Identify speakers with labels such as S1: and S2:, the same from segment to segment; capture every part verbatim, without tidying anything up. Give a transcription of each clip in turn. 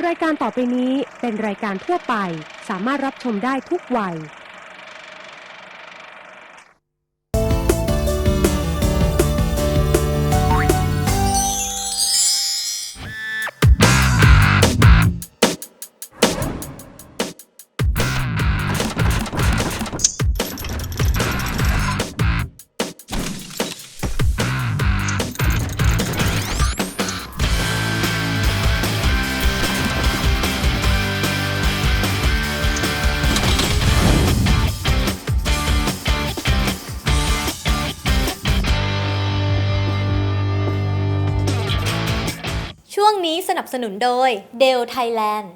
S1: รายการต่อไปนี้เป็นรายการทั่วไปสามารถรับชมได้ทุกวัย
S2: ช่วงนี้สนับสนุนโดย Dell Thailand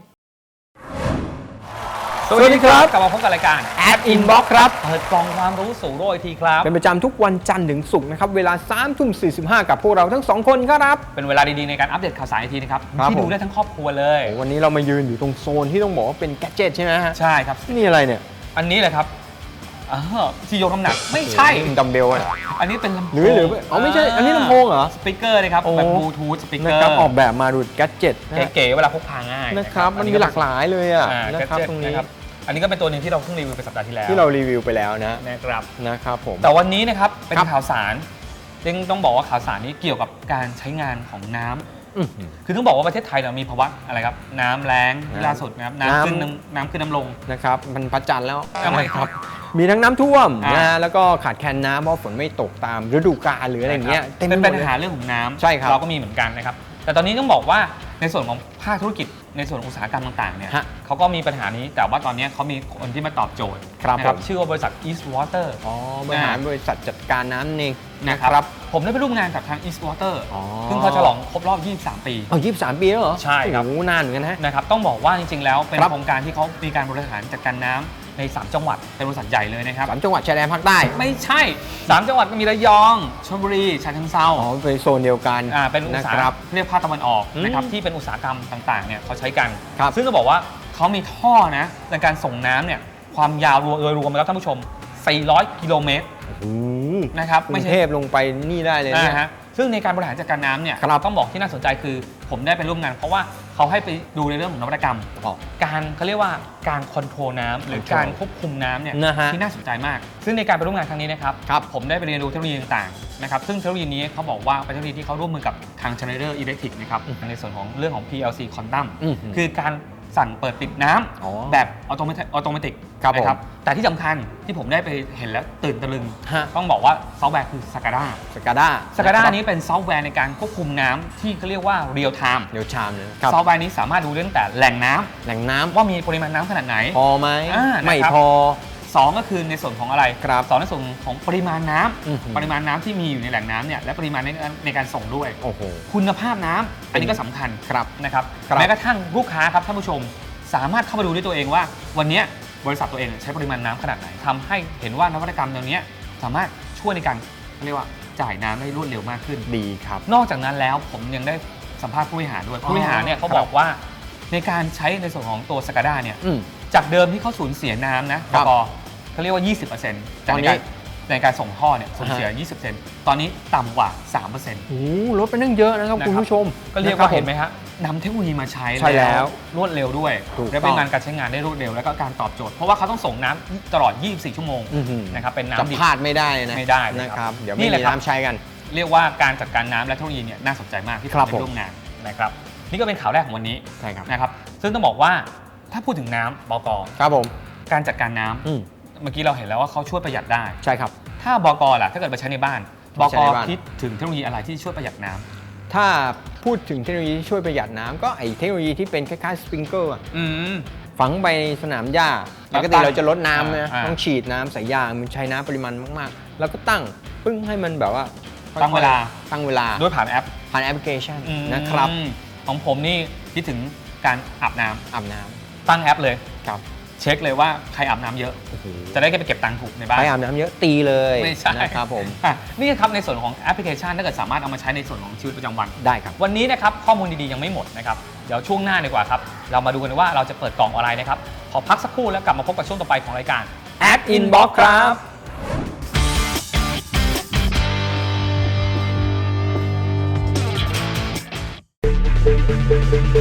S3: สวัสดีครับกลับมาพบกับรายการ
S4: App Inbox ครับ
S3: เปิดกล่องความรู้สู่โลกอีกทีครับ
S4: เป็นประจำทุกวันจันทร์ถึงศุกร์นะครับเวลาสามทุ่มสี่สิบห้ากับพวกเราทั้งสองคนครับ
S3: เป็นเวลาดีๆในการอัปเดตข่าวสารอีกทีนะครับ
S4: ครับ
S3: ที่
S4: ผม
S3: ดูได้ทั้งครอบครัวเลย
S4: วันนี้เรามายืนอยู่ตรงโซนที่ต้องบอกว่าเป็นแกดเจิตใช่ไหมฮะ
S3: ใช่ครับ
S4: นี่อะไรเนี่ย
S3: อันนี้เลยครับอ้าวที่ยกน้ำหนักไม่ใช่
S4: ดัมเบลอะ
S3: อันนี้เป็นลำโพง
S4: หรือหรืออ๋อไม่ใช่อันนี้ลำโพงเหรอ
S3: สปีกเกอร์นะครับ
S4: โอ้
S3: แบบบลูทูธสปีกเกอ
S4: นะ
S3: ร์
S4: ครับออกแบบมาดูแกดเจิต
S3: เก๋ๆเวลาพกพาง่าย
S4: นะครับมันมีหลากหลายเลยอ่ะ
S3: อ่า
S4: นะครับ
S3: แกดเจ็ต
S4: ตรงนี้
S3: นะครับอันนี้ก็เป็นตัวหนึ่งที่เราเพิ่งรีวิวไปสัปดาห์ที่แล้ว
S4: ที่เรารีวิวไปแล้วนะ
S3: นะครับ
S4: นะครับผม
S3: แต่วันนี้นะครับเป็น
S4: ครับ
S3: ข่าวสารยังต้องบอกว่าข่าวสารนี้เกี่ยวกับการใช้งานของน้ำ
S4: อื้อหือ
S3: คือต้องบอกว่าประเทศไทยเรามีภาวะอะไรครับน้ำแล้ง
S4: น้ำ
S3: ล่าสุดนะครับ
S4: น้ำ
S3: น้ำขึ้นน้ำน้ำขึ้นน้ำลง
S4: นะครับมันพระจันทร์แล้ว
S3: ทำไมครับ
S4: มีทั้งน้ำท่วม
S3: อ่า
S4: นะแล้วก็ขาดแคลนน้ำเพราะฝนไม่ตกตามฤดูกาลหรืออะไรอย่างเงี้ยเต็มไป
S3: เป็น
S4: หม
S3: ปั
S4: ด
S3: ญ
S4: เลย
S3: หาเรื่องของน้ำ
S4: ใช่ครับ
S3: เราก็มีเหมือนกันนะครับแต่ตอนนี้ต้องบอกว่าในส่วนของภาคธุรกิจในส่วนอุตสาหกรรมต่างๆเนี่ย
S4: ฮะ
S3: เขาก็มีปัญหานี้แต่ว่าตอนนี้เขามีคนที่มาตอบโจทย์
S4: ครับ
S3: นะ
S4: ผม
S3: ชื่อว่าบริษัท East Water
S4: อ๋อบริหารบริษัทจัดการน้ำเอง
S3: นะ
S4: นะ
S3: ค
S4: ค
S3: รั
S4: รั
S3: บบ ผมได้ไปร่วมงานกับทาง East Water
S4: อ๋อ
S3: ซึ่งเขาฉลองครบรอบ ยี่สิบสาม ปี
S4: เอายี่สิบสามปีแล้วเหรอ
S3: ใช่ครับ
S4: โอ้โหนานเหมือนกันนะ
S3: นะครับต้องบอกว่าจริงๆแล้วเป็น
S4: ครับ
S3: โครงการที่เขามีการบริหารจัดการน้ำในสามจังหวัดเป็นบริษัทใหญ่เลยนะครับ
S4: สามจังหวัดชายแดนภาคใต้
S3: ไม่ใช่สามจังหวัดก็มีระยองชลบุรีฉะเชิงเทรา
S4: อ๋อไปโซนเดียวกัน
S3: อ่าเป็นอุต
S4: นะ
S3: สาห
S4: ค
S3: กร
S4: รั
S3: ร
S4: บ
S3: มเรียกภาคตะวันออก
S4: อืม
S3: นะครับที่เป็นอุตสาหกรรมต่างๆเนี่ยเขาใช้กัน
S4: ครับ
S3: ซึ่งต้องบอกว่าเขามีท่อนะในการส่งน้ำเนี่ยความยาวรวมโดยรวมแล้วท่านผู้ชม สี่ร้อย กิโลเมตร
S4: โอ้โห
S3: นะครับ
S4: กรุ
S3: ไม่
S4: ง
S3: ใช่
S4: เทพลงไปนี่ได้เลยเนี่ย
S3: นะฮะซึ่งในการบริหารจัดการน้ำเนี่ย
S4: ครับ
S3: ต้องบอกที่น่าสนใจคือผมได้ไปร่วมงาน เพราะว่าเขาให้ไปดูในเรื่องของนวัตกรรม
S4: อ๋อ
S3: การเขาเรียกว่าการคอนโทรลน้ำหรือ
S4: control
S3: การควบคุมน้ำเนี่ย
S4: นะฮะ
S3: ที่น่าสนใจมาก ซึ่งในการไปร่วมงานครั้งนี้นะครับ
S4: ครับ
S3: ผมได้ไปเรียนรู้เทคโนโลยีต่างๆนะครับซึ่งเทคโนโลยีนี้เขาบอกว่าเป็นเทคโนโลยีที่เขาร่วมมือกับทาง Schneider Electric นะครับในส่วนของเรื่องของ พี แอล ซี Quantum
S4: อืม
S3: คือการสั่งเปิดปิดน้ำ
S4: อ๋อ
S3: แบบอัตโนมัติอัตโนมัติ
S4: ครับผม
S3: นะแต่ที่สำคัญที่ผมได้ไปเห็นแล้วตื่นตะลึง
S4: ฮะ
S3: ต้องบอกว่าซอฟต์แวร์คือ Scada
S4: สกาด้า
S3: Scada นี้เป็นซอฟต์แวร์ในการควบคุมน้ำที่เขาเรียกว่า real time
S4: เดี๋ยวชามเลยครับ
S3: ซอฟต์แวร์นี้สามารถดูได้ตั้งแต่แหล่งน้ำ
S4: แหล่งน้ำ
S3: ว่ามีปริมาณน้ำขนาดไหน
S4: พอไหม
S3: อ่านะครับ
S4: ไม่พอ
S3: สองก็คือในส่วนของอะไร
S4: ครับ
S3: สองในส่วนของปริมาณน้ำ
S4: อื้อหือ
S3: ปริมาณน้ำที่มีอยู่ในแหล่งน้ำเนี่ยและปริมาณในในการส่งด้วย
S4: โอ้โห
S3: คุณภาพน้ำอันนี้ก็สำคัญ
S4: ครับ
S3: นะครับ
S4: ครับ
S3: แม้กระทั่งลูกค้าครับท่านผู้ชม สามารถเข้ามาดูด้วยตัวเองว่า วันเนี้ยบริษัทตัวเองใช้ปริมาณน้ำขนาดไหนทำให้เห็นว่านวัตกรรมตัวเนี้ยสามารถช่วยในการเรียกว่าจ่ายน้ำได้รวดเร็วมากขึ้น
S4: ดีครับ
S3: นอกจากนั้นแล้วผมยังได้สัมภาษณ์ผู้บริหารด้วย
S4: อ๋อ
S3: ผู้บริหารเนี่ยเขา
S4: ครับ
S3: บอกว่าในการใช้ในส่วนของตัวสกาด้าเนี่ย
S4: อืม
S3: จากเดิมที่เขาสูญเสียน้ำนะครับ ปกเขาเรียกว่า ยี่สิบเปอร์เซ็นต์
S4: ตอน
S3: ใน
S4: นี้
S3: การในการส่งท่อเนี่ยสูญเสีย ยี่สิบเปอร์เซ็นต์ ตอนนี้ต่ำกว่า สามเปอร์เซ็นต์
S4: โอ้โหลดไปนั่งเยอะนะครับ
S3: นะครับ
S4: คุณผู้ชม
S3: ก็เรียก
S4: นะค
S3: ว่า
S4: บ
S3: เห็นไหมฮะนำเทคโนโลยีมาใช้
S4: ใช่แล้ว
S3: รวดเร็วด้วย
S4: ถูก
S3: และ
S4: ต้
S3: เป็
S4: อน ง
S3: งานการใช้งานได้รวดเร็วแล้วก็การตอบโจทย์เพราะว่าเขาต้องส่งน้ำตลอด ยี่สิบสี่ ชั่วโมง
S4: อื้อหือ
S3: นะครับเป็น
S4: จะ
S3: น้ำดิบ
S4: พลาดไม่ได้นะ
S3: ไม่ได้เลย
S4: นะ
S3: ค
S4: ค
S3: รั
S4: รับ บ เดี๋ยว
S3: นี่
S4: ไม่
S3: แหละ
S4: มี
S3: ครับ
S4: น้ำใช้กัน
S3: เรียกว่าการจัดการน้ำและเทคโนโลยีเนี่ยน่าสนใจมากที่ผม
S4: ครับ
S3: ไป
S4: ผม
S3: ร่วมงานนะครับนี่ก็เป็นข่าวแรกของวันนี้
S4: ใช่ครับ
S3: นะครับซึ่งต้องบอกว่าถ้าพูดถึงน้ำบก
S4: ครับผม
S3: การจัดการน้ำ
S4: อืม
S3: เมื่อกี้เราเห็นแล้วว่าเขาช่วยประหยัดได้
S4: ใช่ครับ
S3: ถ้าบกล่ะถ้าเกิดมาใช้ในบ้านบ
S4: ใช้
S3: ก
S4: ในบ้าน
S3: คิดถึงเทคโนโลยีอะไรที่ช่วยประหยัดน้ำ
S4: ถ้าพูดถึงเทคโนโลยีที่ช่วยประหยัดน้ำก็ไอเทคโนโลยีที่เป็นคล้ายๆสปริงเกอร์
S3: อืม
S4: ฝังไปในสนามหญ้า
S3: แล้
S4: ป
S3: ว
S4: ก
S3: ตั้
S4: ติ
S3: ง
S4: เราจะลดน้ำนะ
S3: อ่า
S4: ต้องฉีดน้ำใส่ยางมันใช้น้ำปริมาณมากๆ แล้วก็ตั้งปึ้งให้มันแบบว่า
S3: ตั้งเวลา
S4: ตั้งเวลา
S3: ด้วยผ่านแอป
S4: ผ่านแอปพลิเคชัน
S3: อืม
S4: นะครับ
S3: ของผมนี่คิดถึงการอาบน้ำ
S4: อาบน้
S3: ตั้งแอปเลย
S4: ำครับ
S3: เช็คเลยว่าใครอาบน้ำเยอะ
S4: โอ้โห
S3: จะได้ไปเก็บตังค์ถูกในบ้าน
S4: ใครอาบน้ำเยอะตีเลย
S3: ไม่ใช่
S4: นะครับผม
S3: อ่ะนี่ครับในส่วนของแอปพลิเคชันถ้าเกิดสามารถเอามาใช้ในส่วนของชีวิตประจำวัน
S4: ได้ครับ
S3: วันนี้นะครับข้อมูลดีๆยังไม่หมดนะครับเดี๋ยวช่วงหน้าดีกว่าครับเรามาดูกันว่าเราจะเปิดกล่องอะไรนะครับขอพักสักครู่แล้วกลับมาพบกับช่วงต่อไปของรายการ
S4: App Inbox ครับ
S3: เ